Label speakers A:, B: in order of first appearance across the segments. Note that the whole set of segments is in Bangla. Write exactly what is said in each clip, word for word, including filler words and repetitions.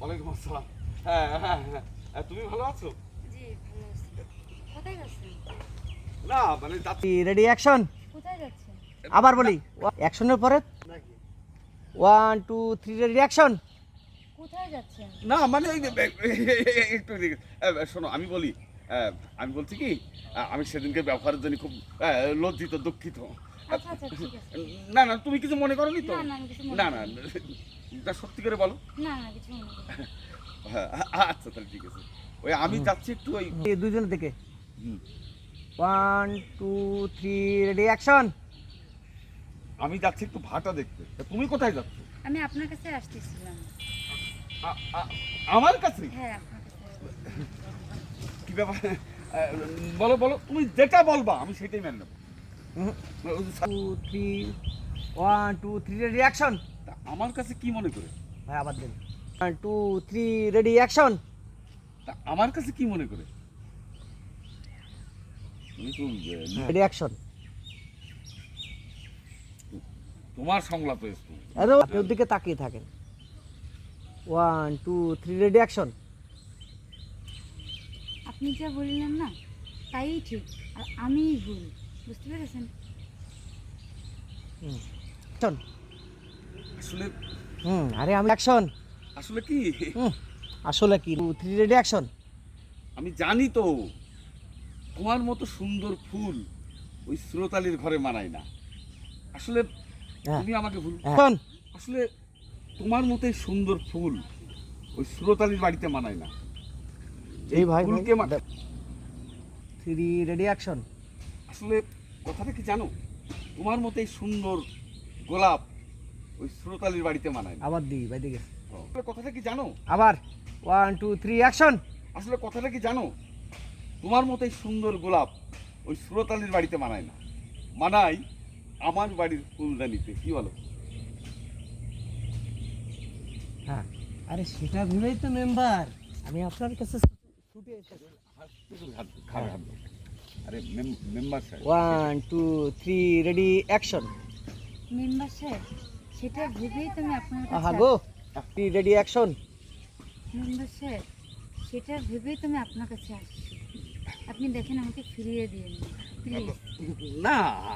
A: ওয়ালাইকুম আসসালাম। হ্যাঁ হ্যাঁ হ্যাঁ, তুমি ভালো আছো?
B: জি ভালো আছি। কোথায় যাচ্ছেন?
A: না মানে যাচ্ছি।
C: Ready action.
B: কোথায় যাচ্ছেন?
C: আবার বলি অ্যাকশনের পরে one two three ready action.
B: কোথায় যাচ্ছেন?
A: না মানে এই যে, একটু এদিকে। আহ, শোনো আমি বলি, আহ, আমি বলছি কি, আহ, আমি সেদিনকে ব্যবহারের জন্য খুব আহ, লজ্জিত দুঃখিত।
B: আচ্ছা আচ্ছা ঠিক আছে।
A: না না তুমি কিছু মনে করনি তো?
B: না না আমি কিছু মনে
A: না না
B: করিনি।
A: তা সত্যি করে বলো।
B: না না কিছু মনে করিনি।
A: হ্যাঁ, আচ্ছা তাহলে ঠিক আছে। ওই আমি যাচ্ছি একটু ওই
C: দুইজনের দিকে
A: হুম,
C: one two three ready action.
A: আমি যাচ্ছি একটু ভাটা দেখতে। তা তুমি কোথায় যাচ্ছ?
B: আমি আপনার কাছে আসতেছিলাম।
A: আ- আ- আমার কাছে?
B: হ্যাঁ আপনার কাছে আসতেছিলাম।
A: কি ব্যাপার? আহ, বলো বলো, তুমি যেটা বলবা আমি সেটাই মেনে নেবো।
C: Two three one two three ready action.
A: তা আমার কাছে কি মনে করে?
C: ভাই আবার দিন one two three ready action.
A: তা আমার কাছে কি মনে করে? তুমি তো আহ,
C: রেডি অ্যাকশন।
A: তোমার সংলাপ এসছো।
C: আরে আপনি ওর দিকে তাকিয়ে থাকেন। One two three ready action.
B: আপনি যা বললেন না তাই ঠিক আর আমিই ভুল। বুঝতে পেরেছেন?
C: অ্যাকশন।
A: আসলে
C: হুম আরে আমি অ্যাকশন।
A: আসলে কি,
C: হুম আসলে কি টু থ্রি রেডি অ্যাকশন।
A: আমি জানি তো তোমার মতো সুন্দর ফুল ওই শ্রোতালির ঘরে মানায় না। আসলে
C: হ্যাঁ
A: তুমি আমাকে ভুল।
C: অ্যাকশন।
A: আসলে তোমার মতোই সুন্দর ফুল ওই শ্রোতালির বাড়িতে মানায় না।
C: এই ভাই
A: ফুলকে মা-
C: থ্রি রেডি অ্যাকশন।
A: আসলে কথাটা কি জানো, তোমার মতোই সুন্দর গোলাপ ওই শ্রোতালির বাড়িতে মানায় না।
C: আবার দিই ভাই দিকে
A: আসলে কথাটা কি জানো,
C: আবার ওয়ান টু থ্রি অ্যাকশন।
A: আসলে কথাটা কি জানো, তোমার মতোই সুন্দর গোলাপ ওই শ্রোতালির বাড়িতে মানায় না, মানায় আমার বাড়ির ফুলদানিতে। কি বলো?
C: হ্যাঁ আরে সেটা ভেবেই তো মেম্বার আমি আপনার কাছে ছুটে এসেছি।
A: আরে মেম্বার সাহেব,
C: one two three ready action.
B: Member সাহেব সেটা ভেবেই তো আমি আপনার
C: আহা
B: কাছে
C: go three ready action.
B: Member সাহেব সেটা ভেবেই তো আমি আপনার কাছে আসছি। আপনি দেখেন আমাকে ফিরিয়ে দিন প্লিজ।
A: না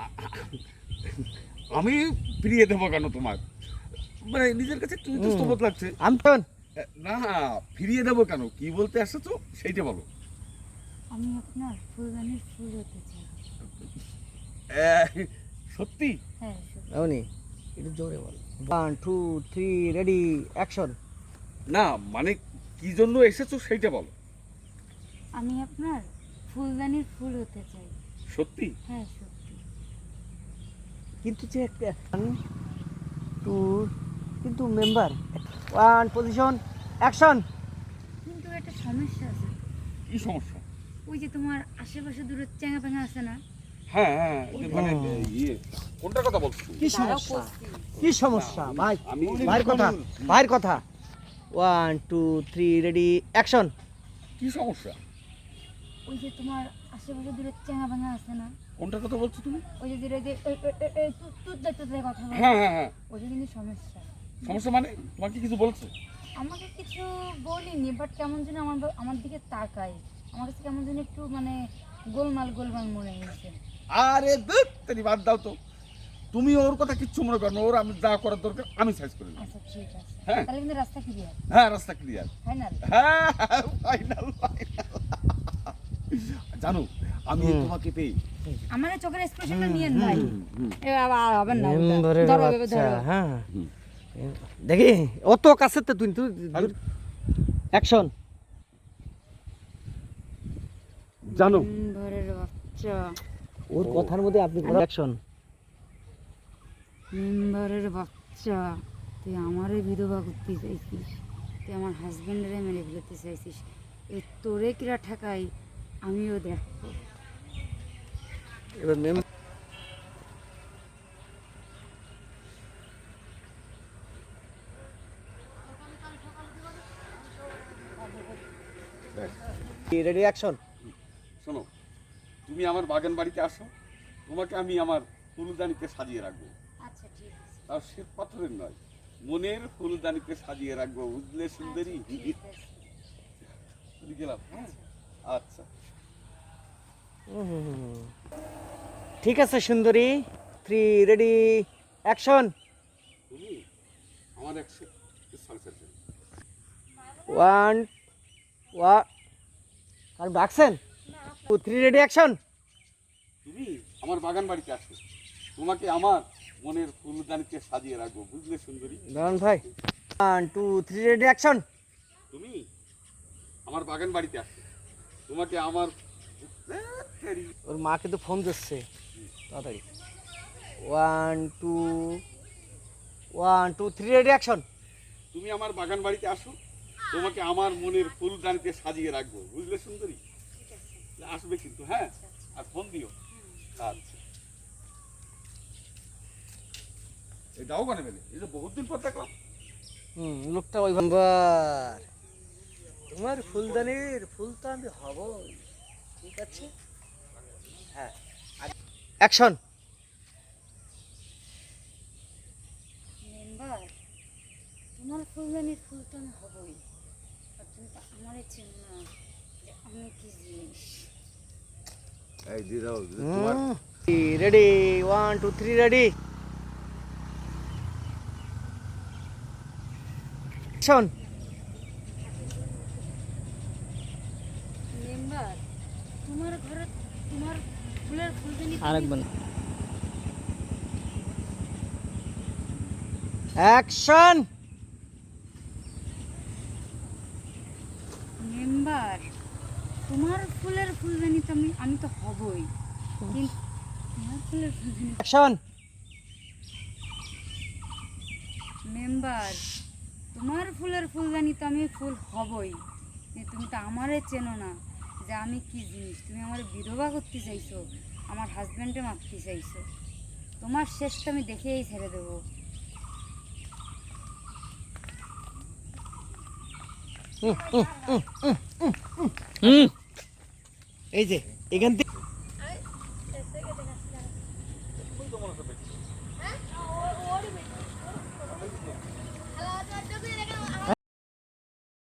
A: আমি ফিরিয়ে দেবো কেন তোমার? মানে নিজের কাছে একটু ইতস্তত লাগছে।
C: আমি তো
A: না ফিরিয়ে দেবো কেন, কি বলতে আসছো সেইটা বলো।
B: আমি আপনার ফুলদানির ফুল হতে চাই।
A: আহ, সত্যি?
B: হ্যাঁ সত্যি।
C: এমনি একটু জোরে বল। One two three ready action.
A: না মানে কি জন্য এসেছো সেইটা বলো।
B: আমি আপনার ফুলদানির ফুল হতে চাই।
A: সত্যি?
B: হ্যাঁ সত্যি।
C: কিন্তু যে একটা টু কিন্তু মেম্বার ওয়ান পজিশন অ্যাকশন।
B: কিন্তু একটা সমস্যা আছে।
A: কি সমস্যা?
B: ওই যে তোমার আশেপাশে দূরে চ্যাঙা প্যাঙা আছে না?
A: হ্যাঁ হ্যাঁ যে মানে ইয়ে কোনটার কথা বলছো?
C: কি
B: দাঁড়াও
C: সমস্যা
B: করছি।
C: কি সমস্যা ভাই
A: আমি
C: ভাইয়ের কথা ভাইয়ের কথা one two three ready action.
A: কি সমস্যা?
B: ওই যে তোমার আশেপাশে দূরে চ্যাঙা প্যাঙা আছে না?
A: কোনটার কথা বলছো তুমি?
B: ওই যে দূরে যে ওই- ওই- ওই- ওই তুত তুত দেখতে দেখতে কথা বলে।
A: হ্যাঁ হ্যাঁ হ্যাঁ।
B: ওইটা কিন্তু সমস্যা।
A: সমস্যা মানে তোমাকে কিছু বলছে?
B: আমাকে কিছু বলিনি বাট কেমন যেন আমার আমার দিকে তাকায়। আমার কাছে কেমন যেন একটু মানে গোলমাল গোলমাল মনে হয়েছে।
A: আরে ধুত তেরি বাদ দাও তো। তুমি ওর কথা কিচ্ছু মনে করো না, ওর আমি যা করার দরকার আমি সাইজ করে নেব।
B: আচ্ছা ঠিক আছে।
A: হ্যাঁ।
B: তাহলে কিন্তু রাস্তা ক্লিয়ার।
A: হ্যাঁ রাস্তা ক্লিয়ার।
B: ফাইনাল।
A: হ্যাঁ ফাইনাল ফাইনাল। জানো আমি
C: হুম।
A: তোমাকে পেয়ে
B: আমার এই চোখের এক্সপ্রেশনটা নিয়েন ভাই।
A: হুম।
B: এ বাবা আর হবে না। ওটা।
C: মেম্বারের
B: ধরো এভাবে
C: বাচ্চা
B: ধরো।
C: হ্যাঁ
A: হুম।
C: দেখি অত কাছে তো তুই তুই অ্যাকশন।
A: জানো
B: মেম্বারের বাচ্চা।
C: ওর কথার মধ্যে আপনি অ্যাকশন।
B: মেম্বারের বাচ্চা তুই আমারে বিধবা করতে চাইছিস, তুই আমার হাজবেন্ডরে মেরে ফেলতে চাইছিস, এই তোরে কিরা ঠেকাই আমিও দেখবো।
C: এবার মেম রেডি অ্যাকশন।
A: শোনো, তুমি আমার বাগান বাড়িতে আসো, তোমাকে আমি আমার ফুলদানিতে সাজিয়ে রাখবো।
B: আচ্ছা ঠিক আছে।
A: তাও শ্বেত পাথরের নয়, মনের ফুলদানিতে সাজিয়ে রাখবো, বুঝলে সুন্দরী? চলে গেলাম, হ্যাঁ? আচ্ছা।
C: হুম, ঠিক আছে সুন্দরী, থ্রি রেডি অ্যাকশন।
A: তুমি আমার একশো সাকসেস।
C: ওয়ান ওয়া আর ডাকছেন, টু থ্রি রেডি অ্যাকশন।
A: তুমি আমার বাগান বাড়িতে আসো, তোমাকে আমার মনের ফুলদানিতে সাজিয়ে রাখবো, বুঝলে সুন্দরী?
C: দাঁড়ান ভাই, one two three ready action.
A: তুমি আমার বাগান বাড়িতে আসো, তোমাকে আমার
C: ওর মা কিন্তু ফোন দিচ্ছে, তাড়াতাড়ি। One two one two three ready action.
A: তুমি আমার বাগান বাড়িতে আসো, তোমাকে আমার মনের ফুলদানিতে সাজিয়ে রাখবো, বুঝলে সুন্দরী? আসবে কিন্তু, হ্যাঁ? আর ফোন দিও। আচ্ছা, এই দাও কানে বেলে, এই যে বহুত দিন পর দেখলাম।
C: হুম, লোকটা ওই নাম্বার। তোমার ফুলদানির ফুল তো আমি হব, ঠিক আছে? হ্যাঁ, অ্যাকশন।
B: মেম্বার, তোমার ফুলদানির ফুল তো আমি হবই, আর তুমি তো আমারই চেনো না যে আমি কি জিনিস।
A: এই দি দাও
C: ready, one two three ready action.
B: Member, তোমার ঘরে তোমার ফুলের ফুলদানি
C: আরেকবার অ্যাকশন।
B: মেম্বার, তোমার ফুলের ফুলদানি তো আমি আমি তো হবই, কিন্তু তোমার ফুলের ফুলদানি।
C: অ্যাকশন।
B: মেম্বার, তোমার ফুলের ফুলদানি তো আমি ফুল হবই, কিন্তু তুমি তো আমারে চেনো না যে আমি কি জিনিস। তুমি আমার বিধবা করতে চাইছো, আমার হাজব্যান্ডে মারতে চাইছো। তোমার শেষটা আমি দেখেই ছেড়ে দেবো।
C: এই যে এখান থেকে